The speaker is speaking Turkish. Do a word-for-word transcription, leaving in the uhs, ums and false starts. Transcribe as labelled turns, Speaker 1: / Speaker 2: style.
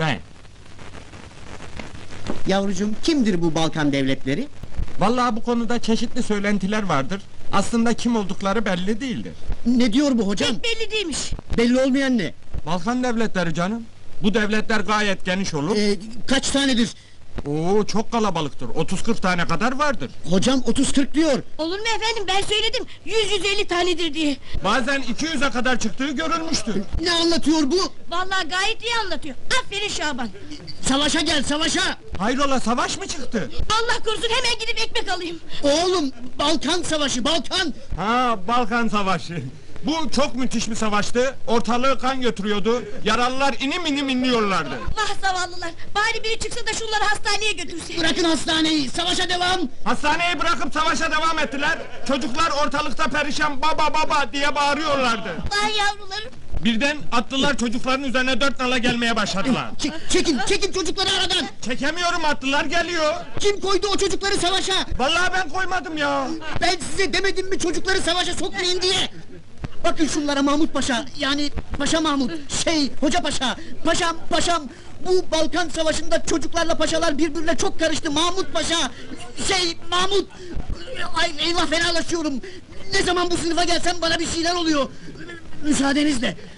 Speaker 1: Ben.
Speaker 2: Yavrucuğum, kimdir bu Balkan devletleri?
Speaker 1: Vallahi bu konuda çeşitli söylentiler vardır. Aslında kim oldukları belli değildir.
Speaker 2: Ne diyor bu hocam?
Speaker 3: Pek belli değilmiş.
Speaker 2: Belli olmayan ne?
Speaker 1: Balkan devletleri canım. Bu devletler gayet geniş olur.
Speaker 2: Ee, kaç tanedir?
Speaker 1: Oo, çok kalabalıktır. otuz kırk tane kadar vardır.
Speaker 2: Hocam otuz kırk diyor.
Speaker 3: Olur mu efendim, ben söyledim yüz yüz elli tanedir diye.
Speaker 1: Bazen iki yüze kadar çıktığı görülmüştür.
Speaker 2: Ne anlatıyor bu?
Speaker 3: Vallahi gayet iyi anlatıyor. Aferin Şaban.
Speaker 2: Savaşa gel, savaşa!
Speaker 1: Hayrola, savaş mı çıktı?
Speaker 3: Allah korusun, hemen gidip ekmek alayım.
Speaker 2: Oğlum, Balkan savaşı, Balkan!
Speaker 1: Ha, Balkan Savaşı. Bu çok müthiş bir savaştı. Ortalığı kan götürüyordu. Yaralılar inim inim inliyorlardı.
Speaker 3: Vah zavallılar, bari biri çıksa da şunları hastaneye götürse.
Speaker 2: Bırakın hastaneyi, savaşa devam!
Speaker 1: Hastaneyi bırakıp savaşa devam ettiler. Çocuklar ortalıkta perişan baba baba diye bağırıyorlardı.
Speaker 3: Vay yavrularım.
Speaker 1: Birden atlılar çocukların üzerine dört nala gelmeye başladılar.
Speaker 2: Çek, çekin, çekin çocukları aradan!
Speaker 1: Çekemiyorum, atlılar geliyor.
Speaker 2: Kim koydu o çocukları savaşa?
Speaker 1: Vallahi ben koymadım ya.
Speaker 2: Ben size demedim mi çocukları savaşa sokmayın diye? Bakın şunlara Mahmut Paşa, yani Paşa Mahmut, şey, Hoca Paşa, paşam, paşam! Bu Balkan Savaşı'nda çocuklarla paşalar birbirine çok karıştı, Mahmut Paşa! Şey, Mahmut! Ay, eyvah, fenalaşıyorum! Ne zaman bu sınıfa gelsem bana bir şeyler oluyor! Müsaadenizle!